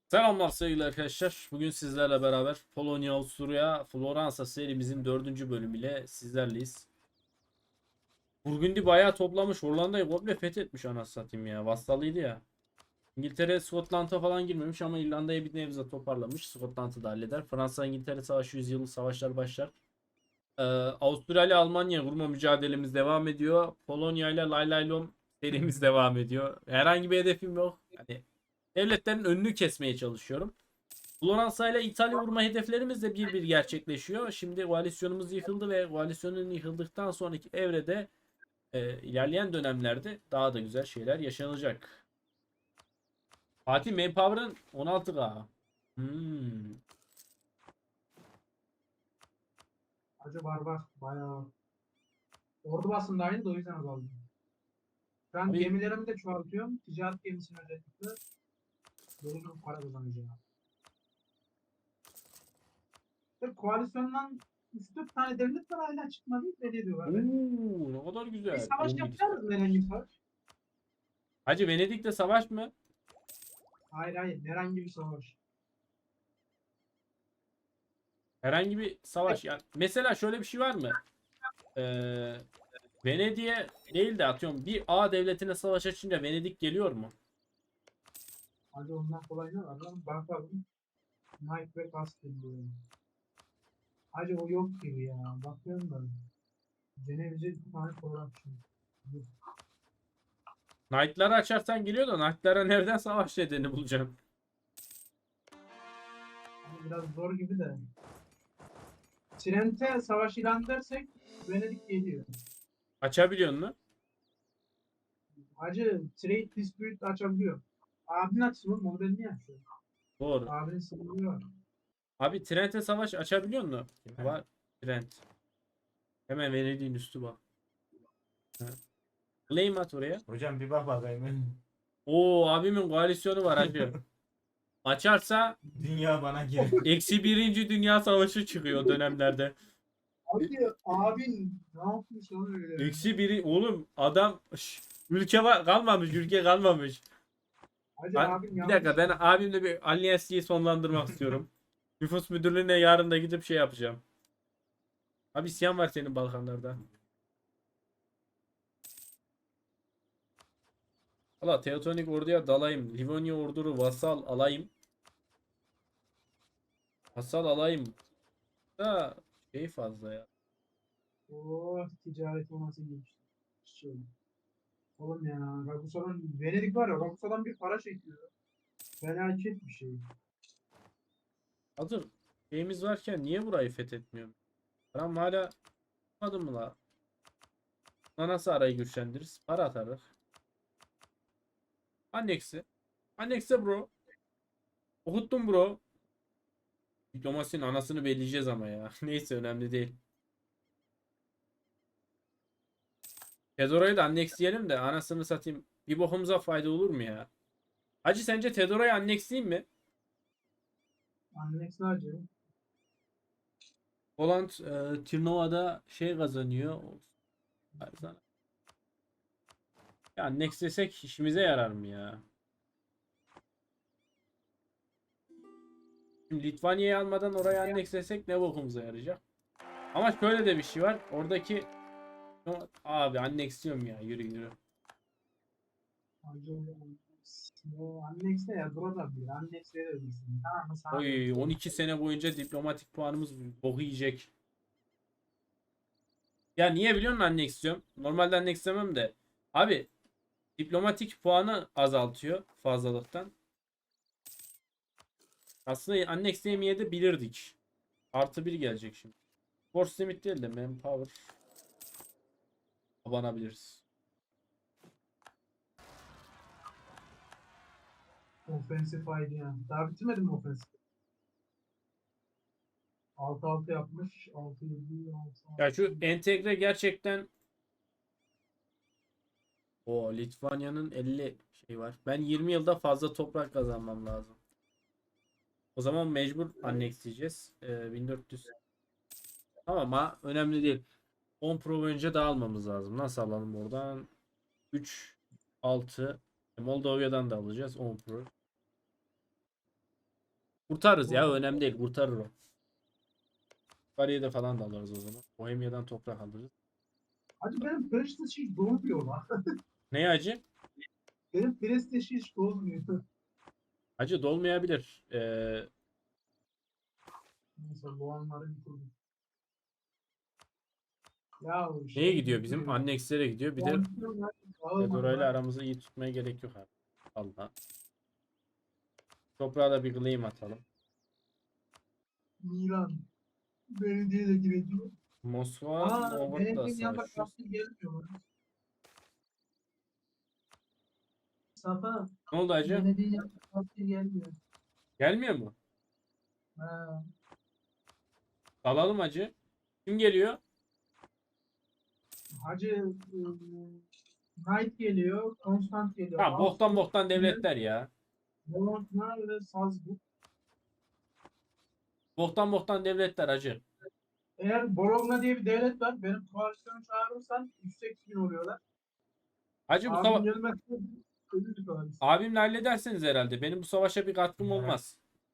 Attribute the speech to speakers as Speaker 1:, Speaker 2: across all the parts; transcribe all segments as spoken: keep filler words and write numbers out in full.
Speaker 1: Selamlar sevgili arkadaşlar. Bugün sizlerle beraber Polonya, Avusturya, Floransa serimizin dördüncü bölümüyle sizlerleyiz. Burgundi bayağı toplamış. Hollanda'yı komple fethetmiş anasını satayım ya. Vassalıydı ya. İngiltere Skotland'a falan girmemiş ama İrlanda'yı bir nebze toparlamış. Skotland'ı da halleder. Fransa-İngiltere Savaşı yüzyılı savaşlar başlar. Ee, Avusturya ile Almanya vurma mücadelemiz devam ediyor. Polonya ile Lay Lay Lom serimiz devam ediyor. Herhangi bir hedefim yok. Hani devletlerin önünü kesmeye çalışıyorum. Floransa ile İtalya vurma hedeflerimiz de bir bir gerçekleşiyor. Şimdi koalisyonumuz yıkıldı ve koalisyonun yıkıldıktan sonraki evrede e, ilerleyen dönemlerde daha da güzel şeyler yaşanacak. Fatih Manpower'ın on altı K. Hmm.
Speaker 2: Acı var var. Bayağı var. Ordu basında aynı da o yüzden azaldı. Ben
Speaker 1: Abi,
Speaker 2: gemilerimi de çoğaltıyorum. Ticaret gemisini özellikle. Böyle bir para kazanacağım. Ve koalisyondan üç dört tane devlet var hala çıkmadı. Ne diyorlar beni.
Speaker 1: oo, ne kadar
Speaker 2: Bir
Speaker 1: güzel.
Speaker 2: savaş
Speaker 1: on bir.
Speaker 2: yapacağız mı herhangi bir savaş?
Speaker 1: Hacı Venedik'te savaş mı?
Speaker 2: Hayır hayır. Herhangi bir savaş.
Speaker 1: Herhangi bir
Speaker 2: Evet.
Speaker 1: savaş. Yani mesela şöyle bir şey var mı? Ee, Venedik'e değil de atıyorum bir A devletine savaş açınca Venedik geliyor mu?
Speaker 2: Hadi ondan kolay ne var lan? Bakalım. Knight ve Castle diyor. Hacı o yok gibi ya. Bakıyorum da. Ceneviz'e bir tane corruption.
Speaker 1: Knight'ları açarsan geliyor da Knight'lara nereden savaş nedeni bulacaksın?
Speaker 2: Ama biraz zor gibi de. Trent'e savaş ilan edersek Venedik geliyor.
Speaker 1: Açabiliyor mu?
Speaker 2: Hacı trade dispute açabiliyor. Abin açsın oğlum onu ben niye açıyorum?
Speaker 1: Doğru.
Speaker 2: Abinin sınırı var.
Speaker 1: Abi Trent'e savaş açabiliyor mu? Var. Trent. Hemen Venedik'in üstü bak. Ha. Claim at oraya.
Speaker 3: Hocam bir bak bakayım.
Speaker 1: Oo abimin koalisyonu var hacı. Açarsa
Speaker 3: Dünya bana gir.
Speaker 1: eksi birinci Dünya Savaşı çıkıyor o dönemlerde.
Speaker 2: Hacı abin ne yapmış lan öyle?
Speaker 1: Eksi biri oğlum adam Şş, ülke var kalmamış ülke kalmamış.
Speaker 2: Hacı
Speaker 1: Ben,
Speaker 2: abin
Speaker 1: bir
Speaker 2: yanlış.
Speaker 1: dakika ben abimle bir alliance'yi sonlandırmak istiyorum. Nüfus müdürlüğüne yarın da gidip şey yapacağım. Abi isyan var senin Balkanlarda. Valla Teotonik orduya dalayım. Livonya orduru vasal alayım. Vasal alayım. Da şey fazla ya.
Speaker 2: Oh ticaret olması geçti. Şey. Oğlum ya Raguso'dan Venedik var ya Raguso'dan bir para çekiyor. Felaket bir şey.
Speaker 1: Hazır şeyimiz varken niye burayı fethetmiyorum? Param hala tutmadı mı la? Buna nasıl arayı güçlendiririz? Para atarız. Annex'i. Annex'e bro. Okuttum bro. Diplomasinin anasını belleyeceğiz ama ya. Neyse önemli değil. Fedora'yı da annexleyelim de anasını satayım. Bir bokumuza fayda olur mu ya? Hacı sence Fedora'yı annexleyeyim mi?
Speaker 2: Annex ne hacı?
Speaker 1: Poland e, Tirnova'da şey kazanıyor. Ya annexlesek işimize yarar mı ya? Şimdi Litvanya'yı almadan oraya annexlesek ne bokumuza yarayacak? Ama şöyle de bir şey var. Oradaki abi annexliyorum ya yürü yürü.
Speaker 2: Hacı o Annex ne ya? Burada bir Annex verir misin? Tamam mı? Sana
Speaker 1: Oy
Speaker 2: diyorum.
Speaker 1: on iki sene boyunca diplomatik puanımız boku yiyecek. Ya niye biliyor musun anneksiyon? Normalde annekslemem de. Abi diplomatik puanı azaltıyor fazlalıktan. Aslında annexleyemeye de bilirdik. Artı bir gelecek şimdi. Force limit değil de manpower abanabiliriz.
Speaker 2: Offensive I D ya. Daha bitirmedim mi offensive? altı altı yapmış. altı yedi altı
Speaker 1: Ya şu entegre gerçekten o Litvanya'nın elli şey var. Ben yirmi yılda fazla toprak kazanmam lazım. O zaman mecbur annexleyeceğiz. Ee, bin dört yüz. Ama önemli değil. on pro önce dağılmamız lazım. Nasıl alalım oradan? üç, altı. Moldova'dan da alacağız. on pro. Kurtarırız ya, önemli değil, kurtarır o. Bariye'de falan da alırız o zaman. Bohemia'dan toprak alırız.
Speaker 2: Hacı benim Prestige hiç dolmuyor lan.
Speaker 1: Ne acı?
Speaker 2: Benim Prestige hiç dolmuyor.
Speaker 1: Acı dolmayabilir. Ee,
Speaker 2: Neyse bu anları bitirdim. Ya o
Speaker 1: neye
Speaker 2: şey
Speaker 1: gidiyor bizim?
Speaker 2: bitmiyor.
Speaker 1: Annexlere gidiyor. Bir de
Speaker 2: Puanlar
Speaker 1: Fedora ile
Speaker 2: dağılmadan
Speaker 1: aramızı iyi tutmaya gerek yok abi. Allah. Toprağa da bir claim atalım.
Speaker 2: Milan. Belediye de gireceğim.
Speaker 1: Moskova,
Speaker 2: Aa,
Speaker 1: Novgorod'la
Speaker 2: belediyenin yanında
Speaker 1: savaşıyoruz.
Speaker 2: kaptır gelmiyor lan. Safa,
Speaker 1: Ne oldu acı?
Speaker 2: belediyenin yanında kaptır gelmiyor.
Speaker 1: Gelmiyor mu?
Speaker 2: Ha.
Speaker 1: Alalım acı. Kim geliyor?
Speaker 2: Hacı ıı, Knight geliyor, Konstant geliyor.
Speaker 1: Ha, boktan
Speaker 2: Ağustos,
Speaker 1: boktan devletler ya.
Speaker 2: Bologna ve Salzburg.
Speaker 1: Boktan boktan devletler acı.
Speaker 2: Eğer Bologna diye bir devlet var, benim koalisyonu çağırırsan yüz seksen bin oluyorlar.
Speaker 1: Acı bu
Speaker 2: Abim
Speaker 1: sava
Speaker 2: gelmezse ölür koalisyon.
Speaker 1: abimle halledersiniz herhalde. Benim bu savaşa bir katkım
Speaker 3: Evet.
Speaker 1: olmaz.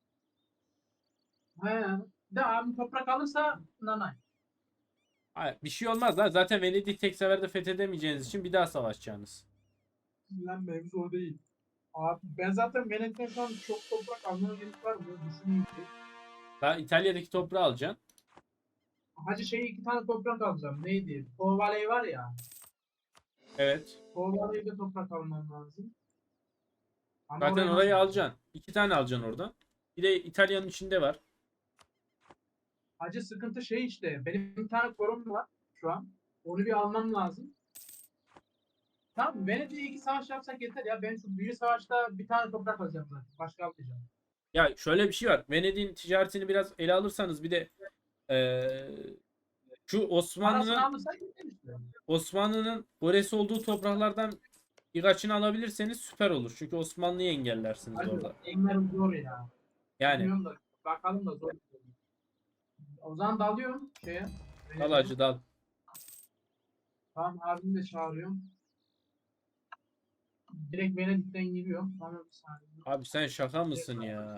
Speaker 2: He. De abim toprak alırsa nanay.
Speaker 1: Hayır, bir şey olmaz lan. Zaten Venedik'i tek seferde fethedemeyeceğiniz için bir daha savaşacaksınız.
Speaker 2: Lan mevzu o değil. Abi ben zaten Venedik'ten şu an çok toprak almaya gerek var mı? Düşüneyim ki.
Speaker 1: Daha İtalya'daki toprağı alacaksın.
Speaker 2: Hacı şey iki tane toprak alacağım. Neydi? Po Valley var ya.
Speaker 1: Evet.
Speaker 2: Po Valley'de toprak almam lazım. Ama
Speaker 1: Zaten
Speaker 2: oraya
Speaker 1: orayı
Speaker 2: nasıl-
Speaker 1: alacaksın. İki tane alacaksın oradan. Bir de İtalya'nın içinde var.
Speaker 2: Hacı sıkıntı şey işte. Benim bir tane korum var şu an. Onu bir almam lazım. Tamam, Venedik'e iki savaş yapsak yeter ya. Ben şu biri savaşta bir tane toprak alacağım zaten. Başka almayacağım.
Speaker 1: Ya şöyle bir şey var. Venedik'in ticaretini biraz ele alırsanız bir de eee, şu
Speaker 2: Parasını
Speaker 1: Osmanlı'nın
Speaker 2: alırsak yeter işte.
Speaker 1: Osmanlı'nın Goresi olduğu topraklardan birkaçını alabilirseniz süper olur. Çünkü Osmanlı'yı engellersiniz
Speaker 2: Hacı
Speaker 1: orada.
Speaker 2: enlerim zor ya.
Speaker 1: Yani
Speaker 2: Bilmiyorum da bakalım da zor. O zaman dalıyorum şeye.
Speaker 1: dal acı dal.
Speaker 2: Tamam, abimi de çağırıyorum. Direkt Venedik'ten giriyorum. Tamam, bir saniye.
Speaker 1: Abi sen şaka mısın ya?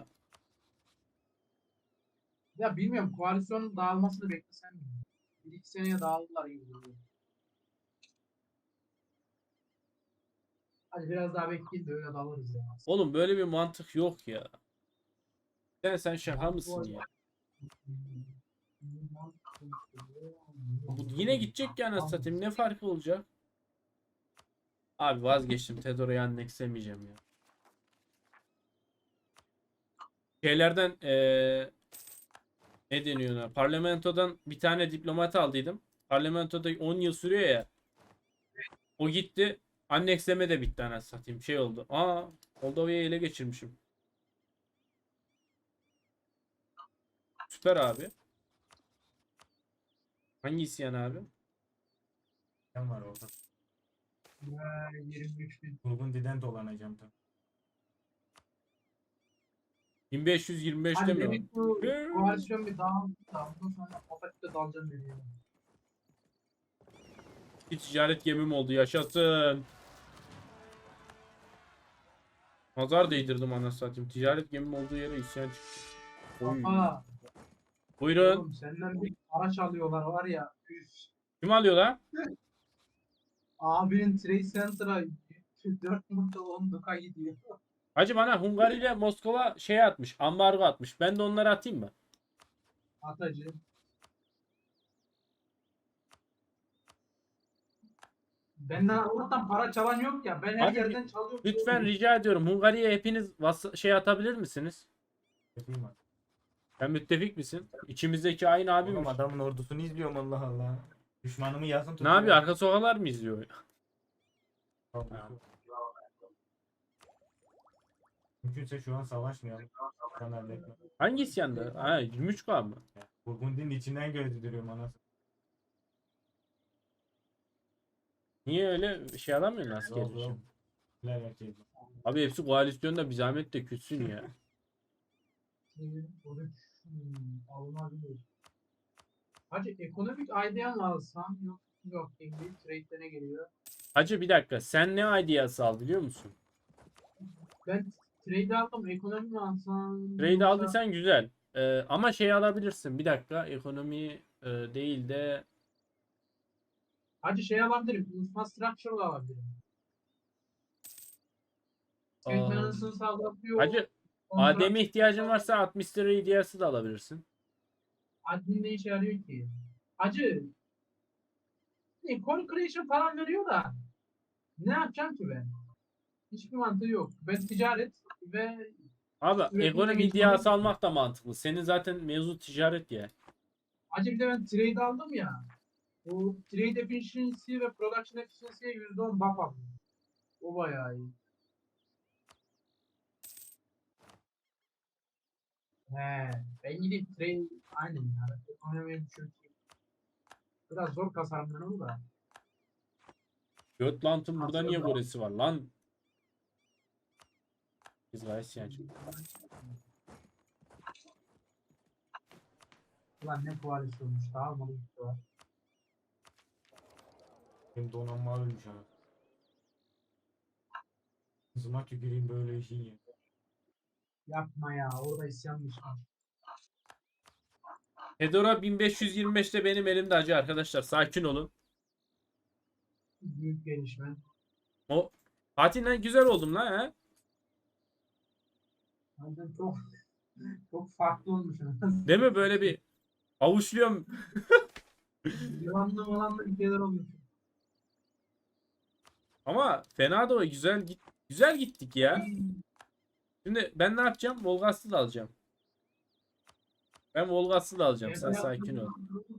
Speaker 2: Ya bilmiyorum, koalisyonun dağılmasını beklesem mi? Bir iki seneye dağıldılar gibi duruyor. Hadi biraz daha bekleyin de öyle dalırız ya.
Speaker 1: Oğlum böyle bir mantık yok ya. Sen sen şaka mısın ya? Bu yine gidecek ya, anasını satayım. Ne farkı olacak? Abi vazgeçtim. Tedora'yı annexlemeyeceğim ya. Şeylerden eee ne deniyor ona? Parlamentodan bir tane diplomat aldıydım. Parlamentoda on yıl sürüyor ya. O gitti. Annexleme de bitti, anasını satayım. Şey oldu. Aa, Moldova'yı ele geçirmişim. Süper abi. Hangi isyan abi?
Speaker 3: Sen var orada.
Speaker 2: Ya, yirmi üç bin.
Speaker 3: Burgundy'den dolanacağım tabii.
Speaker 1: bin beş yüz yirmi beşte
Speaker 2: Hadi
Speaker 1: mi o?
Speaker 2: dedik bu koalisyon bir dağıldı. Ondan sonra Atatürk'te dalacağım dedi. Yani.
Speaker 1: Bir ticaret gemim oldu. Yaşasın. Nazar değdirdim, anasını satayım. Ticaret gemim olduğu yere isyan çıktı. Oy.
Speaker 2: Aa,
Speaker 1: Buyurun.
Speaker 2: oğlum senden bir araç alıyorlar var ya. Üf.
Speaker 1: Kim alıyor lan?
Speaker 2: Abinin Trade Center'a dört nokta on duka gidiyor.
Speaker 1: Hacı bana Hungary ile Moskova şey atmış. Ambargo atmış. Ben de onları atayım mı?
Speaker 2: Atacı. Benden Allah'tan para çalan yok ya. Ben her
Speaker 1: Abi,
Speaker 2: yerden çalıyorum.
Speaker 1: Lütfen rica ediyorum. Hungary'ye hepiniz vas- şey atabilir misiniz?
Speaker 3: Yapayım mı?
Speaker 1: Sen müttefik misin? İçimizdeki aynı
Speaker 3: Oğlum
Speaker 1: abiymiş.
Speaker 3: adamın ordusunu izliyorum, Allah Allah. Düşmanımı yakın
Speaker 1: Ne
Speaker 3: tutuyor.
Speaker 1: yapıyor? Arka sokaklar mı izliyor?
Speaker 3: Mümkünse şu an savaşmayalım. Sen halletme.
Speaker 1: Hangi isyanda? Ha, yirmi üç K mı?
Speaker 3: Burgundy'nin içinden gördürüyorum anasını.
Speaker 1: Niye öyle şey alamıyorsun asker
Speaker 3: Yok
Speaker 1: için?
Speaker 3: yok. Neler yapacağız?
Speaker 1: Abi hepsi koalisyonda, bir zahmet de küssün ya.
Speaker 2: Alınabilir. Hacı ekonomik ideal alsam yok yok İngiliz trade'de ne geliyor?
Speaker 1: Hacı bir dakika. Sen ne ideası al biliyor musun?
Speaker 2: Ben Trade aldım. Ekonomi mi alsam?
Speaker 1: Trade
Speaker 2: yoksa-
Speaker 1: aldıysan güzel. Ee, ama şey alabilirsin. Bir dakika. Ekonomi e, değil de
Speaker 2: Hacı şey alabilirim. Infrastructure alabilirim.
Speaker 1: aa,
Speaker 2: Maintenance'ını sağlatıyor.
Speaker 1: hacı
Speaker 2: Kontrat-
Speaker 1: Adem'e ihtiyacın varsa altmış lira hediyesi de alabilirsin.
Speaker 2: Admin ne işe yarıyor ki? Hacı ne, Call Creation falan veriyor da ne yapacağım ki ben? Hiçbir mantığı yok. Ben ticaret ve
Speaker 1: Abi
Speaker 2: üretimle
Speaker 1: ekonomi
Speaker 2: geçinmek
Speaker 1: iddiası almak da mantıklı. Senin zaten mevzu ticaret ya.
Speaker 2: Hacı bir de ben trade aldım ya. Bu trade efficiency ve production efficiency'ye yüzde on buff aldım. O bayağı iyi. He, ben gidip trade aynen ya. Ekonomiye düşürteyim. Biraz zor kasarımdan ama da.
Speaker 1: Götlant'ın burada niye
Speaker 2: Aslında-
Speaker 1: goresi var lan? Biz gayet siyancı.
Speaker 2: Ulan ne koalisyonmuş. Daha mı bir var.
Speaker 3: Benim donanma ölmüş ha. Hızıma tüküreyim böyle işin ya.
Speaker 2: Yapma ya. Orada isyanmış.
Speaker 1: Fedora bin beş yüz yirmi beşte benim elimde hacı arkadaşlar. Sakin olun.
Speaker 2: Büyük gelişme.
Speaker 1: O Fatih lan güzel oldum lan ha.
Speaker 2: Aynen çok çok farklı olmuş.
Speaker 1: Değil mi böyle bir avuçluyorum.
Speaker 2: Yılanlı malanlı bir şeyler olmuş.
Speaker 1: Ama fena da o güzel git güzel gittik ya. Şimdi ben ne yapacağım? Volgas'ı da alacağım. Ben Volgas'ı da alacağım. Sen sakin ol.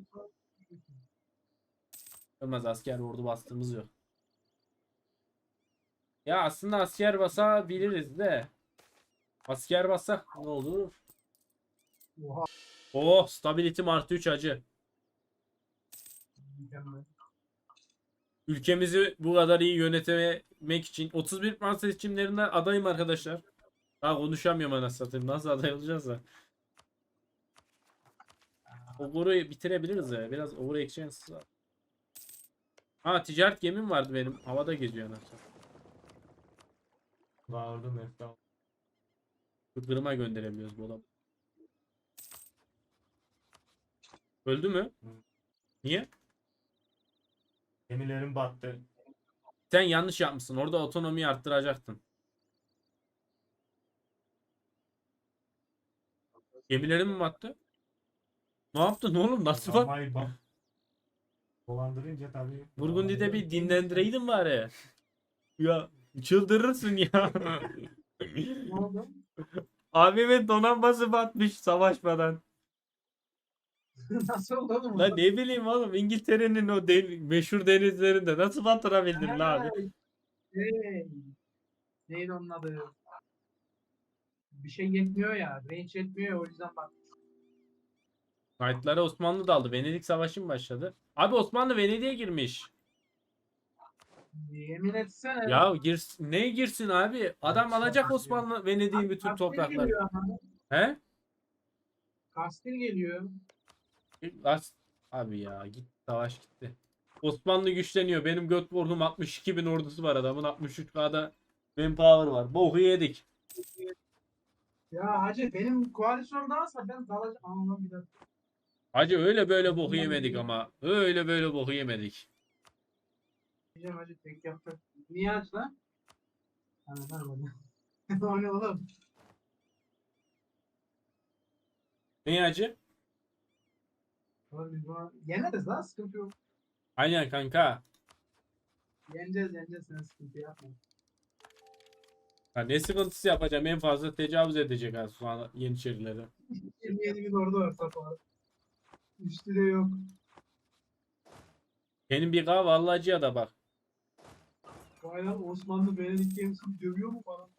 Speaker 1: Olmaz asker ordu bastığımız yok. Ya aslında asker basabiliriz de. Asker bassak ne olur?
Speaker 2: Oha.
Speaker 1: Oh stability artı üç hacı.
Speaker 2: Mükemmel.
Speaker 1: Ülkemizi bu kadar iyi yönetmek için otuz bir Fransa seçimlerinde adayım arkadaşlar. Daha konuşamıyorum anasını satayım. Nasıl aday olacağız da. Ogur'u bitirebiliriz ya. Biraz Ogur Exchange var. Ha ticaret gemim vardı benim. Havada geziyor anasını.
Speaker 3: Bağırdım Mefta.
Speaker 1: Kırıma gönderebiliyoruz bu adamı. Öldü mü?
Speaker 3: Hı.
Speaker 1: Niye?
Speaker 3: Gemilerim battı.
Speaker 1: Sen yanlış yapmışsın. Orada otonomiyi arttıracaktın. Gemilerin mi battı? Ne yaptın oğlum? Nasıl bak?
Speaker 3: Donanmayı bak. Dolandırınca tabii.
Speaker 1: Burgundy'de bir dinlendireydin bari. Ya çıldırırsın ya.
Speaker 2: Ne oldu?
Speaker 1: Abimin donanması batmış savaşmadan.
Speaker 2: Nasıl oldu oğlum?
Speaker 1: La ne bileyim oğlum İngiltere'nin o den- meşhur denizlerinde nasıl batırabildin la abi?
Speaker 2: Hey. Neydi onun adı? Bir şey yetmiyor ya. Range yetmiyor ya, o yüzden bak.
Speaker 1: Knight'lara Osmanlı daldı. Venedik Savaşı mı başladı? Abi Osmanlı Venedik'e girmiş.
Speaker 2: Yemin etsene.
Speaker 1: Ya gir, ne girsin abi? Adam alacak Osmanlı Venedik'in bütün
Speaker 2: Kastil
Speaker 1: toprakları.
Speaker 2: geliyor ama.
Speaker 1: He?
Speaker 2: Kastil geliyor.
Speaker 1: As abi ya git savaş gitti. Osmanlı güçleniyor. Benim Göteborg'um altmış iki bin ordusu var adamın. altmış üç K'da manpower var. Boku yedik.
Speaker 2: Ya hacı benim koalisyon dağılsa ben dalacağım. Aman bir dakika.
Speaker 1: Hacı öyle böyle boku yemedik ama. Öyle böyle boku yemedik.
Speaker 2: Diyeceğim hacı tek yapacak. Niye hacı lan? Hani lan bana. O ne oğlum?
Speaker 1: Ne hacı?
Speaker 2: Oğlum biz buna yeneriz lan, sıkıntı yok.
Speaker 1: Aynen kanka.
Speaker 2: Yeneceğiz yeneceğiz, sen sıkıntı yapma.
Speaker 1: Ha, ne sıkıntısı yapacağım? En fazla tecavüz edecek ha şu an Yeniçerilere.
Speaker 2: yirmi yedi bin ordu var Safa. Üstü de yok.
Speaker 1: Benim bir kahve vallahi da bak.
Speaker 2: Vay lan, Osmanlı Venedik gemisini dövüyor mu bana?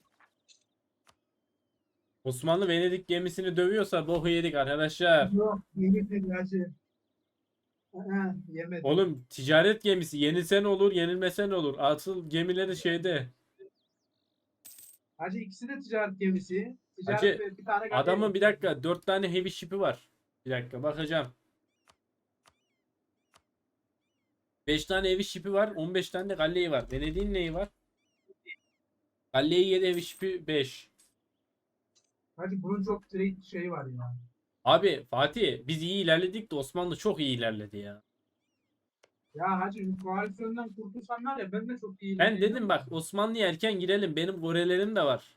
Speaker 1: Osmanlı Venedik gemisini dövüyorsa boku yedik arkadaşlar.
Speaker 2: Yok, yemedi hacı. Aha, yemedi.
Speaker 1: Oğlum ticaret gemisi yenilsen olur yenilmesen olur. Asıl gemileri şeyde.
Speaker 2: Hacı ikisi de ticaret gemisi. Ticaret
Speaker 1: Hacı,
Speaker 2: ve bir tane galiba
Speaker 1: Adamın
Speaker 2: yok.
Speaker 1: bir dakika dört tane heavy ship'i var. Bir dakika bakacağım. beş tane heavy ship'i var. on beş tane de galleyi var. Venedik'in neyi var? Galleyi yedi heavy ship'i beş.
Speaker 2: Hacı bunun çok direkt şey var ya.
Speaker 1: Abi Fatih biz iyi ilerledik de Osmanlı çok iyi ilerledi ya.
Speaker 2: Ya hacı şu koalisyondan kurtulsan var ya ben de çok iyi
Speaker 1: Ben
Speaker 2: ilerleyeceğim
Speaker 1: dedim
Speaker 2: de.
Speaker 1: bak Osmanlı'ya erken girelim. Benim Korelerim de var.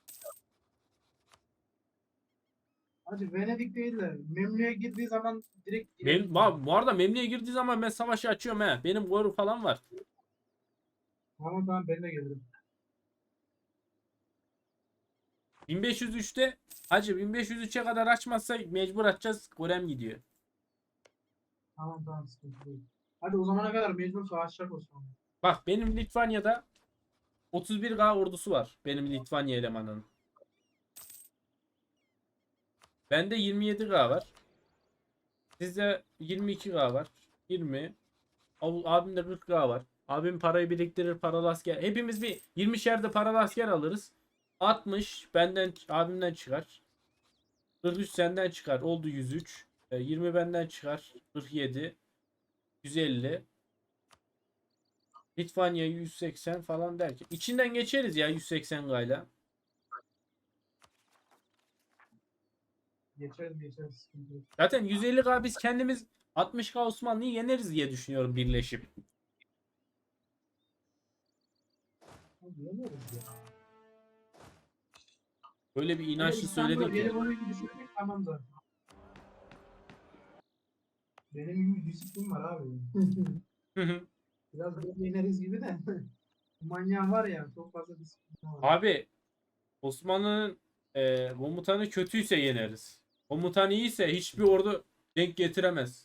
Speaker 2: Hacı Venedik değil de Memlü'ye girdiği zaman direkt
Speaker 1: Mem
Speaker 2: girelim.
Speaker 1: bu bu arada Memlü'ye girdiği zaman ben savaşı açıyorum he. Benim Koru falan var.
Speaker 2: Tamam tamam ben de gelirim.
Speaker 1: bin beş yüz üçte hacı bin beş yüz üçe kadar açmazsak mecbur açacağız. Korem gidiyor.
Speaker 2: Tamam tamam sıkıntı değil. Hadi o zamana kadar mecbur savaşacak Osmanlı.
Speaker 1: Bak benim Litvanya'da otuz bir K ordusu var. Benim Litvanya elemanının. Bende yirmi yedi K var. Sizde yirmi iki K var. yirmi. Ab- Abimde kırk K var. Abim parayı biriktirir, paralı asker. Hepimiz bir yirmişer de paralı asker alırız. altmış benden abimden çıkar. kırk üç senden çıkar. Oldu yüz üç. E, yirmi benden çıkar. kırk yedi. yüz elli. Litvanya yüz seksen falan derken. İçinden geçeriz ya yüz seksen gayla.
Speaker 2: Geçeriz geçeriz sıkıntı yok.
Speaker 1: Zaten yüz elli K biz kendimiz altmış K Osmanlı'yı yeneriz diye düşünüyorum birleşip.
Speaker 2: Hadi yeneriz ya.
Speaker 1: Böyle bir
Speaker 2: Hele
Speaker 1: inançlı
Speaker 2: İstanbul'a
Speaker 1: söyledik
Speaker 2: gelip
Speaker 1: ya.
Speaker 2: orayı düşünmek tamam zaten. Benim gibi disiplin var abi.
Speaker 1: Hı hı.
Speaker 2: Biraz böyle yeneriz gibi de. Manyak var ya çok fazla disiplin var.
Speaker 1: Abi Osmanlı'nın e, komutanı kötüyse yeneriz. Komutan iyiyse hiçbir ordu denk getiremez.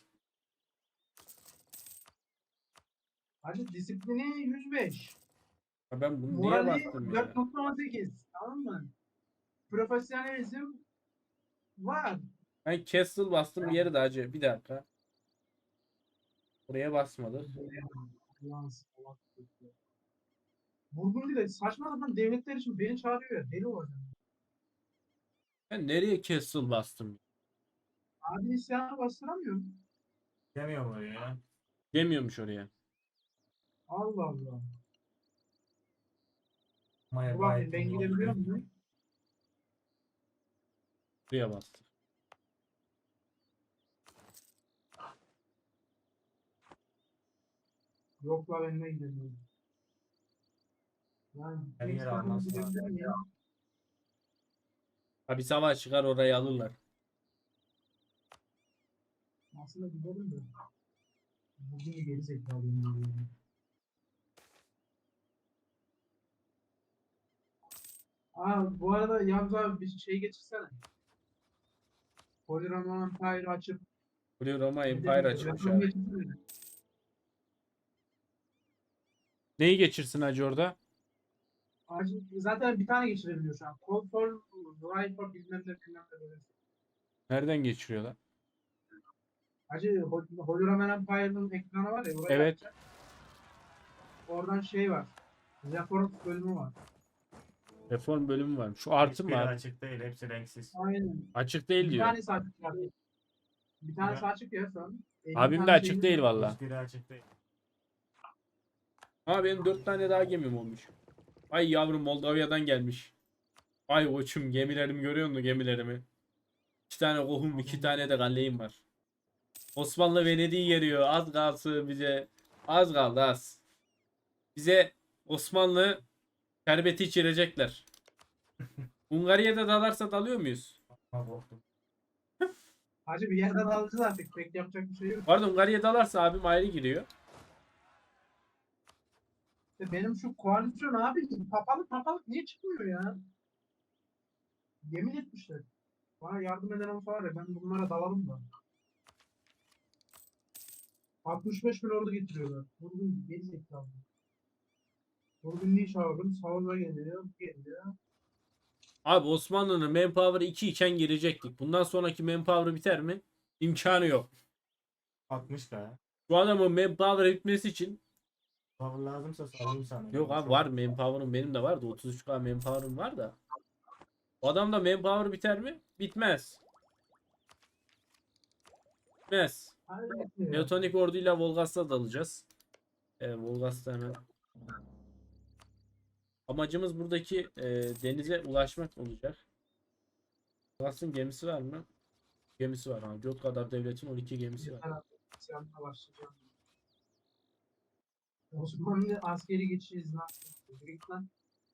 Speaker 2: Hacı disiplini yüz beş.
Speaker 1: Ha ben bunu niye
Speaker 2: Morali
Speaker 1: bastım ya?
Speaker 2: dört nokta on sekiz. Tamam mı? Profesyonelizm var.
Speaker 1: Ben Castle bastım bir yere de acı. Bir dakika. Buraya basmadık.
Speaker 2: Ulan salak çocuk. Burgundy'de saçma sapan devletler için beni çağırıyor ya. Deli olacağım.
Speaker 1: Ben nereye Castle bastım?
Speaker 2: Abi isyanı bastıramıyorum.
Speaker 3: Demiyor mu ya?
Speaker 1: Demiyormuş oraya.
Speaker 2: Allah Allah.
Speaker 3: Maya
Speaker 2: Dur
Speaker 3: gayet
Speaker 2: bakayım ben
Speaker 3: iyi
Speaker 2: gidebiliyor
Speaker 3: oldu.
Speaker 2: muyum?
Speaker 1: Buraya bastım.
Speaker 2: Yok la ben de gidemiyorum. Yani
Speaker 3: Her yer
Speaker 2: İstanbul'a
Speaker 3: almaz
Speaker 2: gidebilir
Speaker 3: lazım.
Speaker 2: miyim?
Speaker 1: Ha bir savaş çıkar orayı alırlar.
Speaker 2: Aslında gidelim de. Bugün geri zekalıyım. Yani. Aa, bu arada Yavuz abi bir şey geçirsene. Polyron Empire açıp
Speaker 1: Blue Roma
Speaker 2: ne
Speaker 1: Empire
Speaker 2: dedim?
Speaker 1: açılmış
Speaker 2: Japon
Speaker 1: abi.
Speaker 2: geçirsene.
Speaker 1: Neyi geçirsin hacı orada?
Speaker 2: Acil, zaten bir tane geçirebiliyor şu an. Call for Right for bilmem ne bilmem ne böyle.
Speaker 1: Nereden geçiriyorlar?
Speaker 2: Hacı Hol- Hologram Empire'ın ekranı var ya orayı
Speaker 1: Evet.
Speaker 2: açacak. Oradan şey var. Reform bölümü var.
Speaker 1: Reform bölümü var. Şu artı mı
Speaker 3: Hiçbiri
Speaker 1: abi?
Speaker 3: açık değil. Hepsi renksiz.
Speaker 2: Aynen.
Speaker 1: Açık değil
Speaker 2: Bir
Speaker 1: diyor.
Speaker 2: tanesi açık var. Bir tanesi
Speaker 3: Ya.
Speaker 2: açık ya şu an. elli
Speaker 1: Abim de
Speaker 2: tane
Speaker 1: açık
Speaker 2: şeyimiz
Speaker 1: değil
Speaker 2: var.
Speaker 1: valla.
Speaker 3: Hiçbiri açık değil.
Speaker 1: Ama benim dört tane daha gemim olmuş. Ay yavrum Moldavya'dan gelmiş. Ay koçum gemilerimi görüyor musun gemilerimi? İki tane kohum, iki tane de galleyim var. Osmanlı Venedik'i geliyor. Az kalsın bize. Az kaldı az. Bize Osmanlı şerbeti içirecekler. Hungarya'da dalarsa dalıyor muyuz?
Speaker 3: Ama korktum.
Speaker 2: Hacı bir yerden alacağız artık. Pek yapacak bir şey yok.
Speaker 1: Pardon Hungarya'ya dalarsa abim ayrı giriyor.
Speaker 2: İşte benim şu koalisyon abi papalık papalık niye çıkmıyor ya? Yemin etmişler. Bana yardım eden olsa var ya ben bunlara dalalım da. altmış beş bin ordu getiriyorlar. Vurgun geri zekalı. Vurgun niye çağırdım? Savunma geliyor. Geliyor.
Speaker 1: Abi Osmanlı'nın manpower'ı iki iken girecektik. Bundan sonraki manpower'ı biter mi? İmkanı yok.
Speaker 3: altmış ka ya.
Speaker 1: Şu adamın manpower bitmesi için
Speaker 3: Power lazımsa salayım sana.
Speaker 1: yok abi var manpower'ım benim de var da otuz üç K manpower'ım var da. O adamda manpower biter mi? Bitmez. Bitmez.
Speaker 2: Hayır.
Speaker 1: Neotonik orduyla Volgas'ta dalacağız. Ee, Volgas'ta hemen. Amacımız buradaki e, denize ulaşmak olacak. Kafkas'ın gemisi var mı? Gemisi var. Ha. Göt kadar devletin on iki gemisi var.
Speaker 2: Yeter artık. İsyanla başlayacağım. Osmanlı askeri geçiş izni hakkı. Yürü git lan.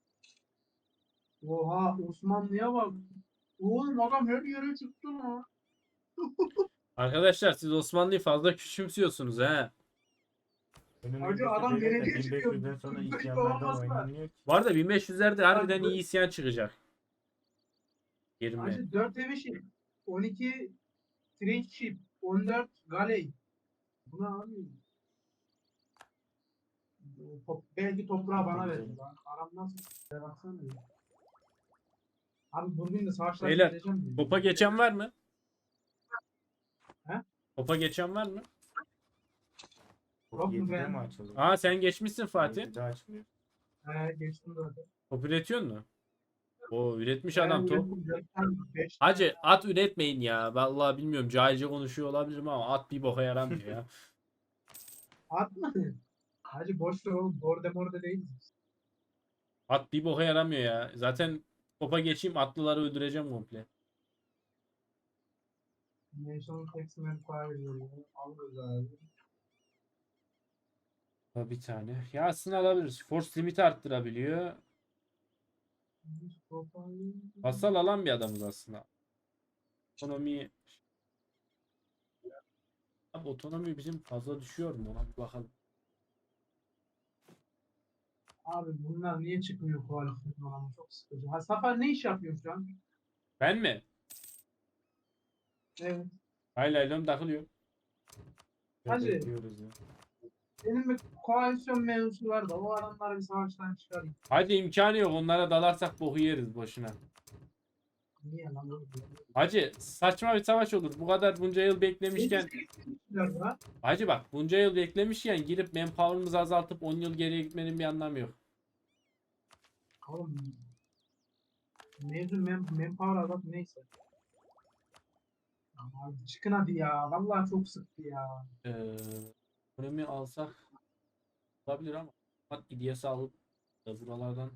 Speaker 2: Oha Osmanlı'ya bak. Oğlum adam her yere çıktı lan.
Speaker 1: Arkadaşlar siz Osmanlı'yı fazla küçümsüyorsunuz he.
Speaker 3: Önümüzdeki
Speaker 2: adam
Speaker 3: devlet de
Speaker 2: geleceğe çıkıyor.
Speaker 3: bin beş yüzden sonra
Speaker 2: Kırk beş
Speaker 3: isyanlardan
Speaker 2: olamaz mı?
Speaker 3: oynanıyor ki.
Speaker 1: Bu arada bin beş yüzlerde harbiden
Speaker 2: Abi,
Speaker 1: iyi isyan çıkacak. yirmi.
Speaker 2: Hacı dört heavy ship, on iki trench ship, on dört galley. Bu ne abi? Top, belki toprağı bana
Speaker 3: Tabii
Speaker 2: verir.
Speaker 3: canım.
Speaker 2: Lan. Aram nasıl? Bir baksana ya. Abi bugün de savaşlar
Speaker 1: Beyler,
Speaker 2: gideceğim mi?
Speaker 1: Topa geçen var mı?
Speaker 2: He?
Speaker 1: Topa geçen var mı?
Speaker 2: Yok mu
Speaker 3: yedide
Speaker 2: ben?
Speaker 3: mi açıldı?
Speaker 1: Aa sen geçmişsin Fatih.
Speaker 3: yedide açmıyor.
Speaker 2: He geçtim zaten.
Speaker 1: Top üretiyor mu? O üretmiş
Speaker 2: Ben
Speaker 1: adam top.
Speaker 2: ürettim, dört tane, beş
Speaker 1: Hacı at üretmeyin ya. Vallahi bilmiyorum cahilce konuşuyor olabilirim ama at bir boka yaramıyor ya.
Speaker 2: At mı? Hacı boş ver oğlum. Borde morde değiliz.
Speaker 1: At bir boka yaramıyor ya. Zaten topa geçeyim atlıları öldüreceğim komple.
Speaker 2: National Tax Manpower veriyor. Alırız abi.
Speaker 1: Ha, bir tane. Ya aslında alabiliriz. Force limit arttırabiliyor. Vassal alan bir adamız aslında. Otonomi Abi otonomi bizim fazla düşüyor mu? Ona bir bakalım.
Speaker 2: Abi bunlar niye çıkmıyor koalisyon ama çok sıkıcı. Ha Safar ne iş yapıyor şu an?
Speaker 1: Ben mi?
Speaker 2: Evet.
Speaker 1: Haylaylom takılıyor.
Speaker 2: Hacı.
Speaker 3: Bekliyoruz ya.
Speaker 2: Benim bir koalisyon mevzusu var da o adamları bir savaştan çıkarayım.
Speaker 1: Hadi imkanı yok. Onlara dalarsak boku yeriz boşuna.
Speaker 2: Niye lan oğlum?
Speaker 1: Hacı saçma bir savaş olur. Bu kadar bunca yıl beklemişken.
Speaker 2: Gitmişler.
Speaker 1: Hacı bak bunca yıl beklemişken girip manpower'ımızı azaltıp on yıl geriye gitmenin bir anlamı yok.
Speaker 2: Oğlum mevzu mem manpower azalt neyse. Abi çıkın hadi ya. Vallahi çok sıktı ya.
Speaker 1: Ee, Ekonomi alsak olabilir ama bak İlyas'ı alıp da buralardan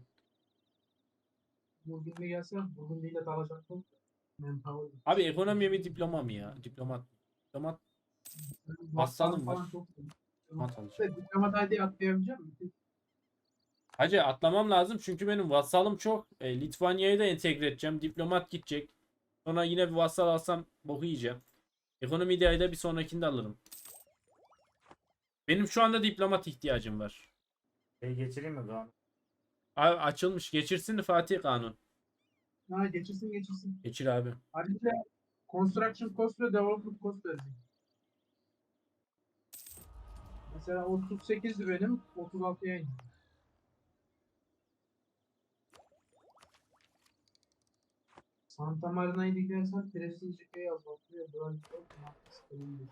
Speaker 2: Bugün de gelse bugün değil de dalacaktım. Manpower.
Speaker 1: abi ekonomi mi diploma mı ya? Diplomat. Diplomat Vassalım var.
Speaker 2: Falan çok
Speaker 1: diplomat alacağım.
Speaker 2: Evet, diplomat I D atlayabilecek misin?
Speaker 1: Hacı atlamam lazım çünkü benim vassalım çok. E, Litvanya'yı da entegre edeceğim. Diplomat gidecek. Sonra yine bir vassal alsam boku yiyeceğim. Ekonomi de ayda bir sonrakinde alırım. Benim şu anda diplomat ihtiyacım var.
Speaker 3: Şey geçireyim mi Kaan?
Speaker 1: Abi açılmış. Geçirsin de Fatih Kanun.
Speaker 2: Ha geçirsin geçirsin.
Speaker 1: Geçir abi.
Speaker 2: Ayrıca construction cost ve development cost verecek. Mesela otuz sekizdi benim, otuz altıya indi. Santa Marina'yı dikersen prestijliğe azaltıyor. Böyle çok mantıklı.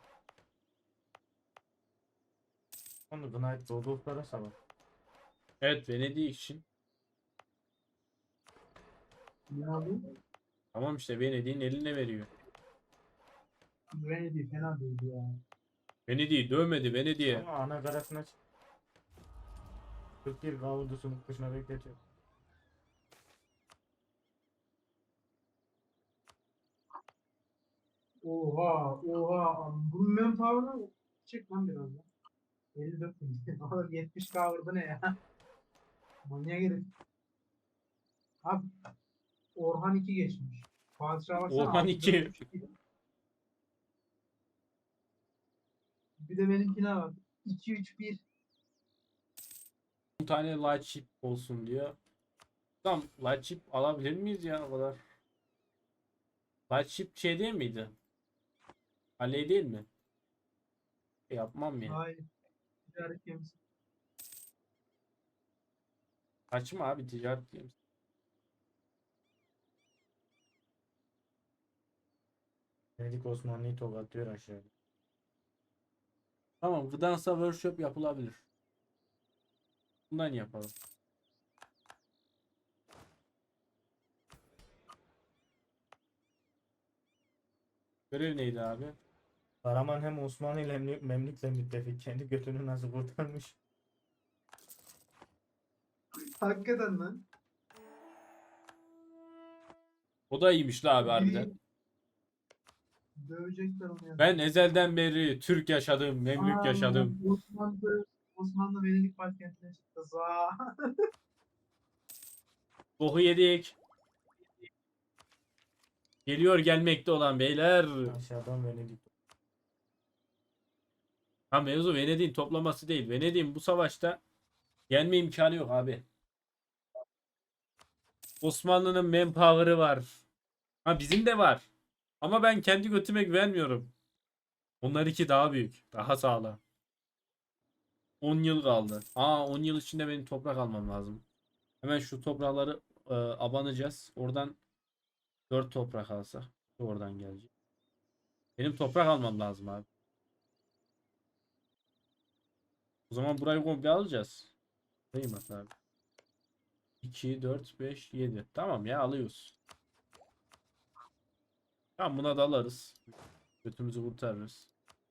Speaker 3: Onu Knight Rodolf'lara savaş.
Speaker 1: Evet Venedik için.
Speaker 2: Ne abi?
Speaker 1: Tamam işte Venedik'in eline veriyor.
Speaker 2: Venedik fena değildi ya.
Speaker 1: Venedik'i dövmedi Venedik'e.
Speaker 3: Ama ana karasına çık. kırk bir kavurdusunu kışına bekletiyor.
Speaker 2: Oha oha. Bu manpower'ı çek lan biraz ya. elli dört bin. Oğlum yetmiş kavurdu ne ya? Manyak herif. Abi Orhan iki geçmiş. Padişah baksana.
Speaker 1: Orhan
Speaker 2: altı
Speaker 1: iki.
Speaker 2: dört üç. Bir de benimkine var. iki üç bir.
Speaker 1: on tane light chip olsun diyor. Tamam light chip alabilir miyiz ya o kadar? Light chip şey değil miydi? Halley değil mi? E, yapmam ya.
Speaker 2: Hayır. Ticaret gemisi.
Speaker 1: Kaçma abi ticaret gemisi.
Speaker 3: Venedik Osmanlı'yı tokatlıyor aşağıya.
Speaker 1: Tamam Gdansk'a workshop yapılabilir. Bundan yapalım. Görev neydi abi?
Speaker 3: Karaman hem Osmanlı ile hem Memlük'le müttefik. Kendi götünü nasıl kurtarmış.
Speaker 2: Hakikaten lan.
Speaker 1: O da iyiymiş la abi harbiden.
Speaker 2: Dövecekler onu ya.
Speaker 1: Ben ezelden beri Türk yaşadım, Memlük
Speaker 2: Aa,
Speaker 1: yaşadım.
Speaker 2: Osmanlı, Osmanlı Venedik başkentine çıktı. Za.
Speaker 1: Boku yedik. Geliyor gelmekte olan beyler.
Speaker 3: Aşağıdan Venedik.
Speaker 1: Ha mevzu Venedik'in toplaması değil. Venedik'in bu savaşta yenme imkanı yok abi. Osmanlı'nın manpower'ı var. Ha bizim de var. Ama ben kendi götüme güvenmiyorum. Onlar iki daha büyük. Daha sağlam. on yıl kaldı. Aa on yıl içinde benim toprak almam lazım. Hemen şu toprakları e, abanacağız. Oradan dört toprak alsak. Oradan gelecek. Benim toprak almam lazım abi. O zaman burayı komple alacağız. Sayayım hatta abi. iki, dört, beş, yedi. Tamam ya alıyoruz. Tamam buna da alırız. Götümüzü kurtarırız.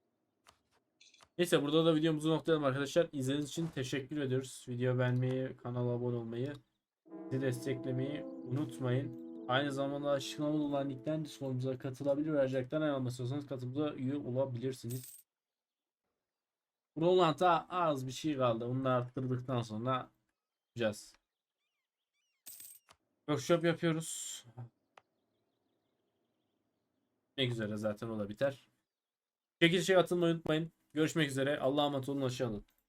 Speaker 1: Neyse burada da videomuzu noktalayalım arkadaşlar. İzlediğiniz için teşekkür ediyoruz. Video beğenmeyi, kanala abone olmayı, bizi desteklemeyi unutmayın. Aynı zamanda açıklamada olan linkten Discord'umuza katılabilir ve ayrıcalıktan ayrılmak katılımıza üye olabilirsiniz. Roland'a az bir şey kaldı. Onu da arttırdıktan sonra yapacağız. Workshop yapıyoruz. Ne üzere zaten o da biter. Çekilişe katılmayı unutmayın. Görüşmek üzere. Allah'a emanet olun. Hoşça kalın.